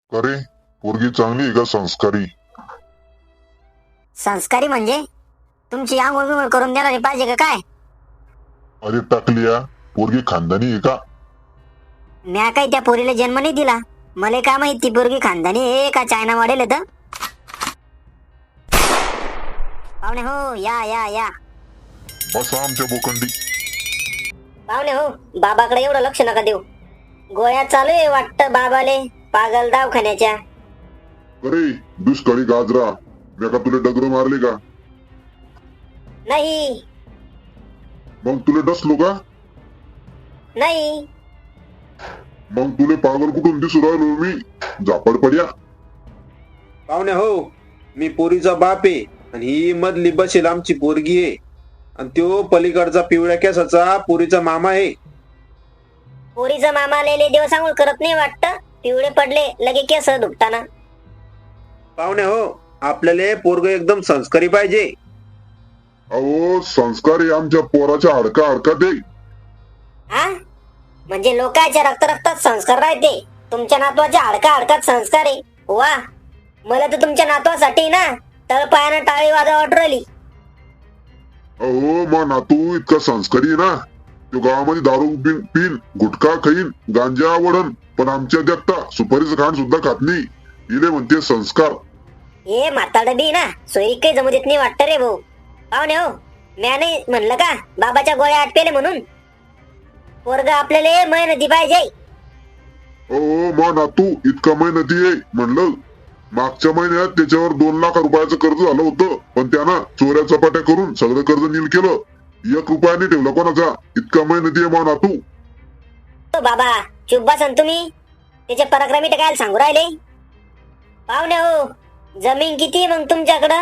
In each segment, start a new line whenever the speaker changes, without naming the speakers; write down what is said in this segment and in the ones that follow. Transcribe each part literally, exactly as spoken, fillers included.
अरे पोरगी चांगली आहे का संस्कारी?
संस्कारी म्हणजे तुमची आंघोळ बिंघोळ करून देणारी पाहिजे का काय?
अरे टाकलिया, पोरगी खानदानी आहे का?
म्या काही त्या पोरीला जन्म नाही दिला. मला काय माहित ती पोरगी खानदानी आहे का चायना वाढेल तर. पाहुणे हो, या या या.
बसा आमच्या बोकंडी.
पाहुणे हो, बाबाकडे एवढं लक्ष नका देऊ. गोळ्या चालू आहे वाटतं बाबाले पागल दवाखान्याच्या.
अरे दुष्काळी गाजरा, मी का तुला डगर मारले का?
नाही
मग तुला डसलो का?
नाही.
मग तुले पागल कुठून दिसू राहिलो मी? झापड पड्या.
पाहुणे हो, मी पोरीचा बाप आहे आणि ही मधली बसेल आमची पोरगी आहे आणि त्यो पलीकडचा पिवळ्या केसाचा पोरीचा मामा आहे.
पोरीचा मामा लेले देव सांगून करत नाही वाटतं. पिवळे पडले लगे केस दुखताना.
पाहुणे हो, आपल्याला पोरग एकदम संस्कारी पाहिजे.
अहो संस्कार आहे आमच्या पोराच्या हडका हडकात आहे.
हा म्हणजे लोकांच्या रक्त रक्तात संस्कार राहते. तुमच्या नातवाच्या हडका हडकात संस्कार आहे. वा, मला तर तुमच्या नातवासाठी ना तळपायानं टाळी वाजवा वाटरली.
अहो मा नातू इतका संस्कारी आहे ना, तो गावामध्ये दारू पिन पिन गुटखा खाईन गांजा आवडन, पण आमच्या देखता सुपारीचं खाण सुद्धा खात नाही. इले म्हणते संस्कार.
हे म्हातारड बी ना सोयी काही जमू देत नाही वाटतं रे भाऊ. पाहुणे हो, म्या नाही म्हणलं का बाबाच्या गोळ्या आटपेले म्हणून. पोरग आपल्याला मेहनती पाहिजे.
अहो मा नातू इतका मेहनती आहे म्हणलं. मागच्या महिन्यात त्याच्यावर दोन लाख रुपयाचं कर्ज झालं होतं, पण त्यानं चोऱ्या चपाट्या करून सगळं कर्ज नील केलं. एक रुपया नाही ठेवला कोणाचा. इतका मेहनती आहे मा नातू.
तो बाबा चुप बसन तुम्ही. त्याचे पराक्रमी काय सांगू राहिले. पाहुणे हो, जमीन किती मग तुमच्याकडं?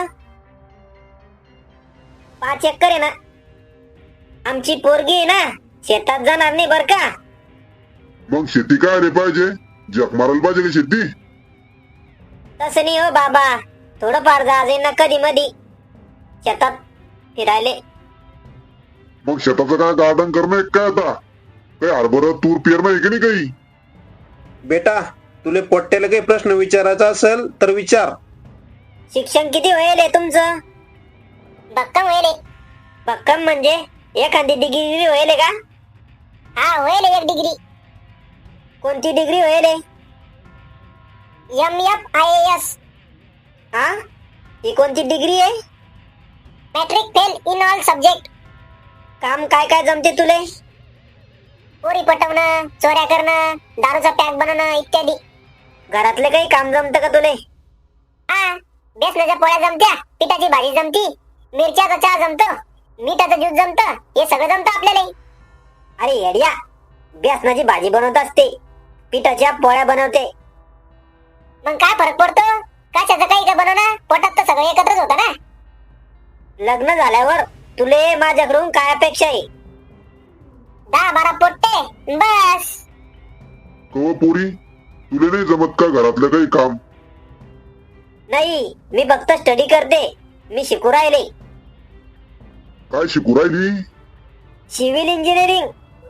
पाच एकर आहे ना. आमची पोरगी आहे ना, शेतात जाणार नाही बर का.
मग शेती काय रे पाहिजे? जग मारायला पाहिजे का शेती?
तसं नाही हो बाबा, थोडं फार जाजे ना कधी मधी शेतात फिरायले.
मग शेताचं काय गार्डन करणं आहे काय आता? काय हरभरा तूर पेरणं आहे की नाही काही?
बेटा, तुले पोट्ट्याला काही प्रश्न विचारायचा असेल तर विचार.
शिक्षण किती होईल आहे तुमचं? भक्कम होईल. भक्कम म्हणजे एखादी डिग्री होईल का? हा होईल एक डिग्री. कोणती डिग्री होईल? M F I A S. हा, ही कोणती डिग्री आहे? Matric fail in all subject. काम काय काय जमते तुले? पोरी पटवणं, चोऱ्या करणं, दारूचा पॅक बनवणं इत्यादी. घरातले काही काम जमतं का तुले? हा, बेसनाच्या पोळ्या जमत्या, पिठाची भाजी जमती, मिरच्याचा चहा जमतो, मिठाचं ज्यूस जमतं, हे सगळं जमतं आपल्याला. अरे येड्या, बेसनाची भाजी बनवत असते, पिठाच्या पोळ्या बनवते. मग काय फरक पडतो? कशाचं काही का बनवणं, पोटात तर सगळं एकत्रच होतं ना. लग्न झाल्यावर तुले माझ्याकडून काय अपेक्षा आहे? दहा बारा पोट्टे बस.
कव पोरी, तुला नाही जमत का घरातलं काही काम?
नाही, मी फक्त स्टडी करते. मी शिकू राहिले.
काय शिकू राहिली?
Civil engineering.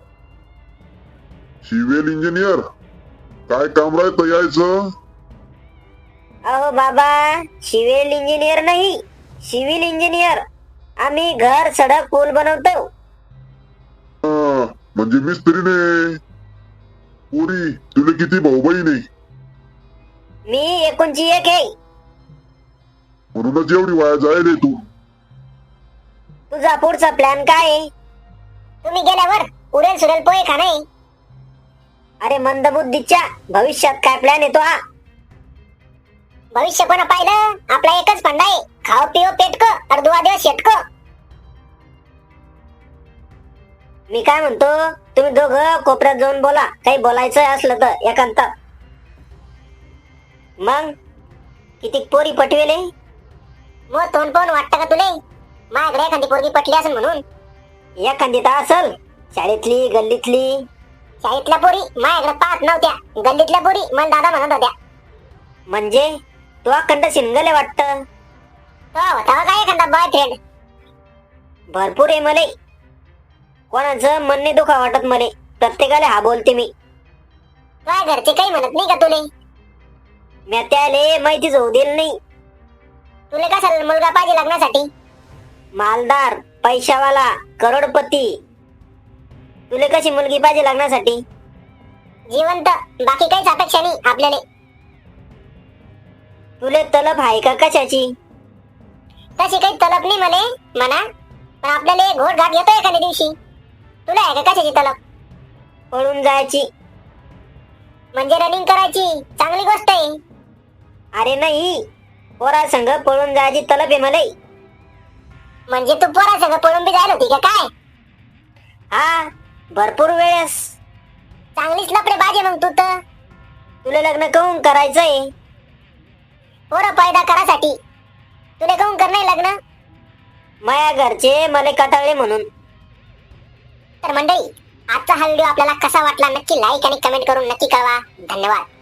Civil engineer? काय काम राहतं यायचं?
अहो बाबा, सिव्हिल इंजिनियर नाही, सिव्हिल इंजिनियर. आम्ही घर, सडक, पूल बनवतो.
हा, म्हणजे मिस्त्री ने. पोरी, तुला किती भाऊ बहीण आहे?
मी एकोणची एक आहे.
म्हणूनच एवढी वाया जायले तू.
तुझा पुढचा प्लॅन काय आहे? तुम्ही गेल्यावर उरेल सुरेल पोहे खा नाही. अरे मंदबुद्धीच्या, भविष्यात काय प्लॅन येतो हा? भविष्य कोणा पाहिलं? आपला एकच फंडा आहे, खाओ पिओ पेटको और दुआ देव शेटको. मी काय म्हणतो, तुम्ही दोघं कोपऱ्यात जाऊन बोला. काही बोलायचं असलं तर एकांतात. मग किती पोरी पटवेले? मग तोंड पाहून वाटतं का तुले माझ्याकडे एखादी पोरगी पटली असेल म्हणून? एखादी तर असल, शाळेतली, गल्लीतली. शाळेतल्या पोरी माझ्याकडे पाहत नव्हत्या, गल्लीतल्या पोरी मला दादा म्हणत होत्या. म्हणजे तू अखंड सिंगल आहे वाटतं. होता काय एखादा बॉयफ्रेंड? भरपूर आहे मले. कोणाचं मन नाही दुखा वाटत मले. प्रत्येकाला हा बोलते मी. काय घरचे काही म्हणत नाही का तुले? मी त्याले माहितीच होऊ दिलं नाही. तुला कशाला मुलगा पाहिजे लग्नासाठी? मालदार, पैशावाला, करोडपती. तुला कशी मुलगी पाहिजे लग्नासाठी? जिवंत, बाकी काहीच अपेक्षा नाही आपल्याला. तुले तलब आहे का कशाची? तशी काही तलब नाही मले म्हणा, पण आपल्याला घोट घाट येतो एखाद्या दिवशी. तुला आहे का कशाची तलब? पळून जायची. म्हणजे रनिंग करायची, चांगली गोष्ट आहे. अरे नाही, पोरा संग पळून जायची तलब आहे मला. म्हणजे तू पोरा संग पळून बी जायला होती का काय? हा, भरपूर वेळेस. चांगलीच लपडे बाजे मग तू तर. तुला लग्न काहून करायचंय? पोरं पैदा करासाठी. तुला काहून करणार लग्न? माया घरचे मला कटाळले म्हणून. तर मंडळी, आजचा हा व्हिडिओ आपल्याला कसा वाटला नक्की लाईक आणि कमेंट करून नक्की कळवा. धन्यवाद.